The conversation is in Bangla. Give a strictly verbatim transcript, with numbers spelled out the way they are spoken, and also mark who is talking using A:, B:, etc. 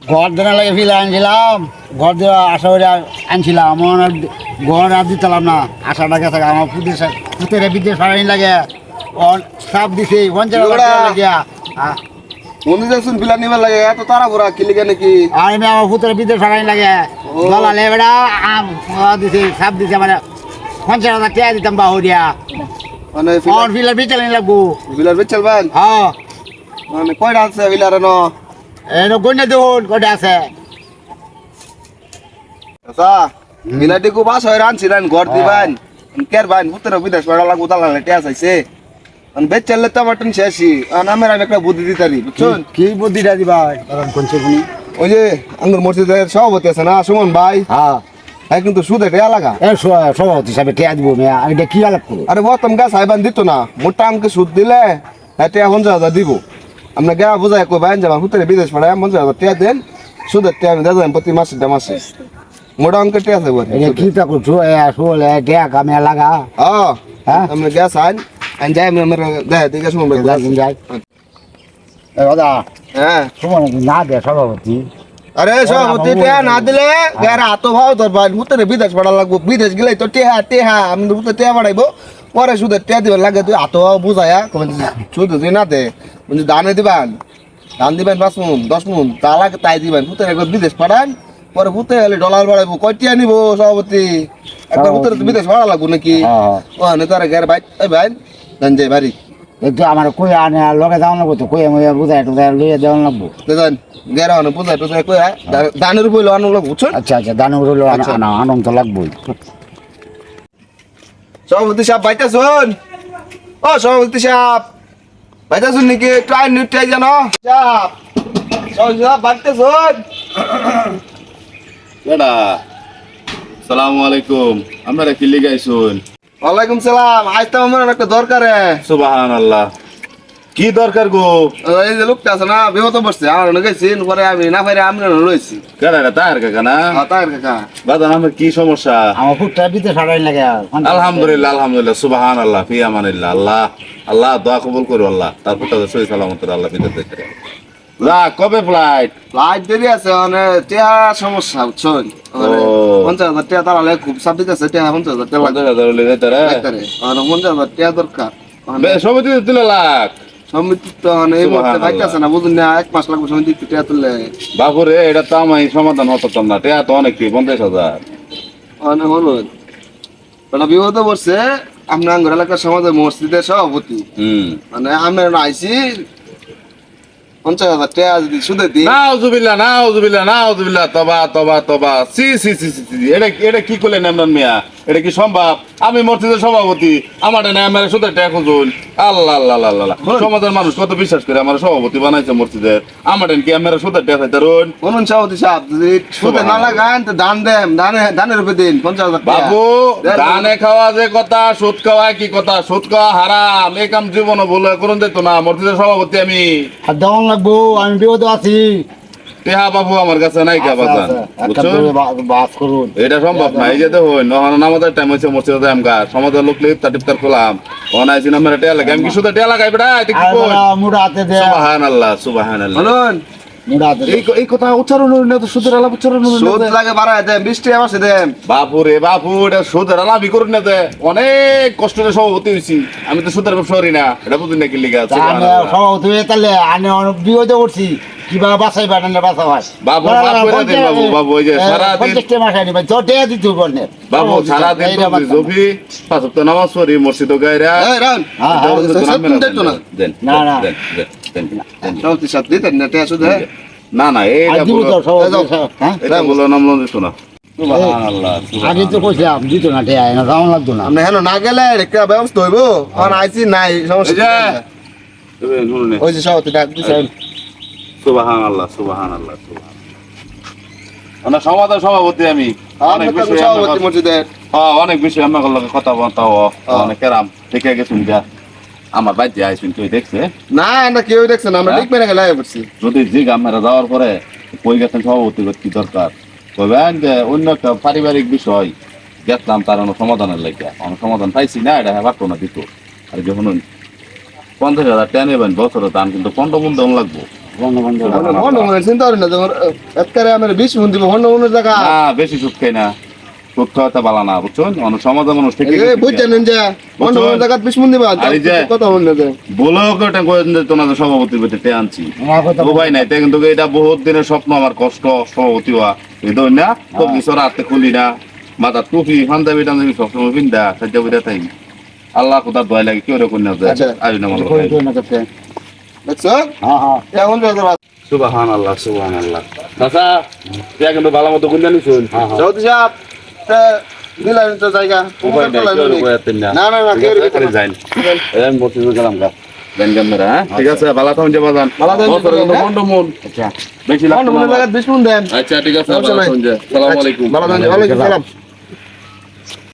A: ঘর দেওয়া লাগে ফিলে আনছিলাম, ঘর দেওয়া আশা করে আনছিলাম, আমার ঘর আর দিতাম না, আশাটা গেছে আমার পুঁতে পুঁতের বিদ্যে সারাই লাগে, সাপ দিছে পঞ্চাশ লাগিয়া।
B: মনে যাচ্ছেন ফিলা নিবার লাগে এত তারা ভরা কিলিকে নাকি?
A: আর আমি আমার পুঁতের বিদ্যে সারাই লাগে দলালে বেড়া আম দিছে, সাপ দিছে, মানে পঞ্চাশ হাজার টাকা দিতাম বাহু দিয়া,
B: মানে
A: আমার ফিলার বিচাল লাগবো।
B: বিলার বেচ চলবেন?
A: হ্যাঁ,
B: মানে কয়টা আছে বিলার ন?
A: এনে গন্যা দেখুন কটা আছে।
B: আচ্ছা বিলাটি কো বাস হয় রানছিলেন ঘর দিবেন কের বাইন উত্তর বিদেশ পড়া লাগু তালালে টেস আইছে আন বেচ চললে তো মটন শেষি আন আমার আমি একটা বুদ্ধি দিতারি বুঝছেন?
A: কি বুদ্ধিটা দিবা কারণ কোনছে কোনি?
B: ওই যে আঙ্গুর মসজিদের সভাপতি আছে না সুমন ভাই,
A: হ্যাঁ
B: হ্যাঁ কিন্তু সুদে টেয়া লাগা।
A: এ সভাপতি হিসাবে টেয়া দিব মেয়া, আমি এটা কি আলাপ করবো?
B: আরে বতম গা সাইবান দিত না, মোটা আমাকে সুদ দিলে হ্যাঁ টেয়া পঞ্চাশ হাজার দিব। আমরা গা বুঝাই কই বাইন যাবা হুতরে বিদেশ পড়ায় পঞ্চাশ হাজার টেয়া দেন, সুদের টেয়া আমি দেন প্রতি মাসে দে মাসে মোটা অঙ্কে টেয়া আছে বলে।
A: এটা কি তা করছো? এ আসলে টেয়া কামে লাগা।
B: হ্যাঁ
A: হ্যাঁ
B: আমরা গ্যাস আইন আইন যাই আমি আমার দেখ দেখে সুমন ভাই
A: যাই যাই। এ দাদা
B: হ্যাঁ।
A: তোমার না দে সভাপতি।
B: আরে সভাপতি টেয়া না দিলে গারা হাত ভাও তোর ভাই হুতরে বিদেশ পড়া লাগবো, বিদেশ গেলে তো টেহা টেহা আমি হুতরে টেয়া বাড়াইবো, পরে সুদের টেয়া দিবার লাগে তুই হাত ভাও বুঝায়া সুদ তুই না দে বলছি দানে দিবেন, ধান দিবেন পাঁচ মন দশ মন তা লাগে তাই দিবেন, হুতরে একবার বিদেশ পাঠান, পরে হুতে হলে ডলার বাড়াইবো, কয় টিয়া নিবো সভাপতি? একবার হুতরে তো বিদেশ ভাড়া লাগবো নাকি? ও নেতারা গের ভাই এই ভাই জান যাই বাড়ি
A: একটু আমার কই আনে লগে যাওয়া লাগবো, তো কই আমি বুঝাই টুজাই লইয়া দেওয়া লাগবো।
B: দেখেন গেরা অনেক বুঝাই টুজাই কই দানের উপর আনো লোক বুঝছেন?
A: আচ্ছা আচ্ছা দানো রইলো আনা আনন্দ লাগবোই।
B: সভাপতি সাহেব বাইটা শুন, ও সভাপতি সাহেব বাইটা শুন নাকি একটু আইন নিউটাই জানো সাহেব, সভাপতি সাহেব বাইটা শুন।
C: বেড়া সালামু আলাইকুম, আপনারা কি লিগাইছুন?
B: ওয়ালাইকুম সালাম, আজ তো আমার একটা দরকার।
C: সুবহানাল্লাহ, কি দরকার গো?
B: এই যে লোকটা আছে না বিপদ বসছে আমার গেছি, পরে আমি না পারি আমি রয়েছি।
C: কেডা তাহের কাকা না?
B: তাই কাকা
C: বাদান আমার কি সমস্যা?
A: আমার ফুটটা দিতে সারাই লাগে।
C: আলহামদুলিল্লাহ আলহামদুলিল্লাহ সুবহানাল্লাহ ফি আমানিল্লাহ, আল্লাহ আল্লাহ দোয়া কবুল করো আল্লাহ, তারপর তো সহি সালামত আল্লাহ বিদেশ দেখে যা। কবে ফ্লাইট?
B: লাইট দেরি আছে মানে টিয়া সমস্যা বুঝছেন? পঞ্চাশ হাজার টাকা তারালে খুব চাপ দিতেছে, টিয়া পঞ্চাশ হাজার টাকা
C: পঞ্চাশ হাজার হলে যেতে রে
B: পঞ্চাশ হাজার টাকা দরকার।
C: সমিতি তুলে লাখ
B: সমিতি তো এই মুহূর্তে পাইতেছে না বুঝুন না, এক মাস লাগবে সমিতি টিয়া তুললে।
C: বাপুরে এটা তো আমি সমাধান হতাম না, টেয়া তো অনেক পঞ্চাশ হাজার
B: অনেক হলো ওটা বিপদ পড়ছে। আপনার আঙ্গুর এলাকার সমাজের মসজিদের সভাপতি
C: হম
B: মানে আমরা আইসি পঞ্চাশ হাজার টাকা যদি সুদে দিই।
C: নাউজুবিল্লাহ নাউজুবিল্লাহ নাউজুবিল্লাহ, তবা তবা তবা, সি সি সি সি সি, এটা এটা কি করলেন ইমরান মিয়া? এটা কি সম্ভব? আমি মসজিদের সভাপতি, আমার না আমার সুদের টাকা খুঁজুন। আল্লাহ আল্লাহ আল্লাহ আল্লাহ, সমাজের মানুষ কত বিশ্বাস করে আমার সভাপতি বানাইছে মসজিদের, আমার কি আমার সুদের টাকা খাইতে রুন?
B: বলুন সভাপতি সাহেব যদি সুদে না লাগান তো দান দেন, দানে দানের উপরে দিন পঞ্চাশ হাজার টাকা।
C: বাবু দানে খাওয়া যে কথা, সুদ খাওয়া কি কথা? সুদ খাওয়া হারাম, এই কাম জীবনও বলে করুন যেত না। মসজিদের সভাপতি আমি,
A: আর দেওয়া লাগবো, আমি বিপদ আছি।
C: টেহা বাবু আমার কাছে নাই কা বাজান, বুঝছো?
A: বাস করুন,
C: এটা সম্ভব না। এই যে দেখুন নামাজের টাইম হয়েছে মসজিদে আমকার সমাজের লোক লিপ তার টিপতার করলাম অনাইছি না মেরে টেয়া লাগে, আমি কি শুধু টেয়া লাগাই বেটা? এটা কি কই?
A: মুড়া হাতে দে,
C: সুবহানাল্লাহ সুবহানাল্লাহ।
B: বলুন
A: মুড়া হাতে দে।
C: এই এই কথা উচ্চারণ হলো না তো, সুদের আলাপ উচ্চারণ হলো
B: সুদ
C: না।
B: লাগে বাড়ায় দেন, বিশ টাকা মাসে দেন।
C: বাপু রে বাপু, এটা সুদের আলাপই করুন না যে, অনেক কষ্টের সভাপতি হয়েছি আমি, তো সুদের ব্যবসা করি না, এটা বুঝুন না কি লিখা আছে।
A: সভাপতি তাহলে আমি অনেক বিপদে পড়ছি, কিভাবে বাঁচাই পারেন বাঁচা হয়
C: বাবু বাবু দিন বাবু বাবু, ওই যে সারাদিন বাবু সারাদিন জফি পাঁচ ওয়াক্ত নামাজ পড়ি মসজিদ গায়রা
B: এই রান দেন তো না
C: দেন
A: না, না।
C: দেন দেন দেন দেন।
B: সভাপতি সাহেব দিতেন না টাকা সুদে?
C: না না এইটা বলো, এটা বলো নাম লন দিছো না। সুবহানাল্লাহ
A: আগে তো কইছিলাম দিত না ঠেয়া না যাওয়া লাগতো না।
B: আপনি হেন না গেলে একটা ব্যবস্থা হইব, কারণ আইসি নাই সমস্যা। ওই যে সভাপতি ডাক দিছেন।
C: সুবহানাল্লাহ সুবহানাল্লাহ সুবহানাল্লাহ। অনেক সমাজের সভাপতি আমি, অনেক
B: আপনি
C: বেশি
B: সভাপতি মসজিদের।
C: হ্যাঁ অনেক বেশি আমার লগে কথা বলতা অনেক কেরাম দেখে গেছুন যা আমার বাইতে আইসুন, তুই দেখছে
B: না না কেউ দেখছে না, আমরা ঠিক মেরে গেলে পড়ছি।
C: যদি জিগ আমরা যাওয়ার পরে কই গেছেন সভাপতি কি দরকার, কইবেন যে অন্য একটা পারিবারিক বিষয় গেছিলাম তার অন্য সমাধানের লেগে, অন্য সমাধান পাইছি না, এটা হ্যাঁ পারতো না দিত। আর যখন পঞ্চাশ হাজার টাকা নেবেন বছরে দাম কিন্তু পনেরো মন দেওয়া লাগবো,
A: বন্ধ বন্ধ
B: হন্ড মনে চিন্তা করি না তোমার একবারে আমার বিশ মন দিব হন্ড মনের জায়গা
C: না বেশি সুদ খাই না সুদ খাওয়াতে ভালো না বুঝছেন অনেক সমাজে মানুষ থেকে
B: বুঝছেন যে হন্ড মনের জায়গা বিশ মন দিবা
C: আর এই যে-
B: কথা বললে যে
C: বলেও ওটা করে তোমাদের সভাপতির বেটে আনছি
A: আমার কথা
C: ও ভাই নাই তাই কিন্তু এটা বহুত দিনের স্বপ্ন আমার কষ্ট সভাপতি হওয়া এই ধর না তো কিছু রাতে খুলি না মাথা টুপি পাঞ্জাবি টাঞ্জাবি সবসময় পিন্দা সাজ্জা বুঝা তাই আল্লাহ কোথাও দয় লাগে কেউ রেখে না যায়
B: আচ্ছা।
C: আই না মনে
A: কই কই না করতে
B: দেখছো
A: হ্যাঁ হ্যাঁ
B: এখন যাবে
C: সুবাহান আল্লাহ সুবাহান আল্লাহ চাচা তুই কিন্তু ভালো মতো গুঞ্জা নিছুন
A: হ্যাঁ হ্যাঁ
B: সৌদি সাহেব দিলেন তো জায়গা
C: উপায় নাই কেউ রেখে যাতেন না
B: না না না কেউ রেখে
C: খালি যাইন এই মসজিদে গেলাম গা দেন ক্যামেরা হ্যাঁ ঠিক আছে ভালো থাকুন যাবা যান
B: ভালো থাকুন,
C: বছরে কিন্তু
B: হ্যাঁ?
C: মন্ড মন
A: আচ্ছা
C: বেশি
B: হন্ড
C: লাগতো
B: মনের
C: না
B: জায়গা বিশ মন দেন
C: আচ্ছা ঠিক আছে
B: সমস্যা
C: ভালো
B: নাই।
C: থাকুন যা আসসালামু আলাইকুম
B: ভালো থাকুন, ওয়ালাইকুম সালাম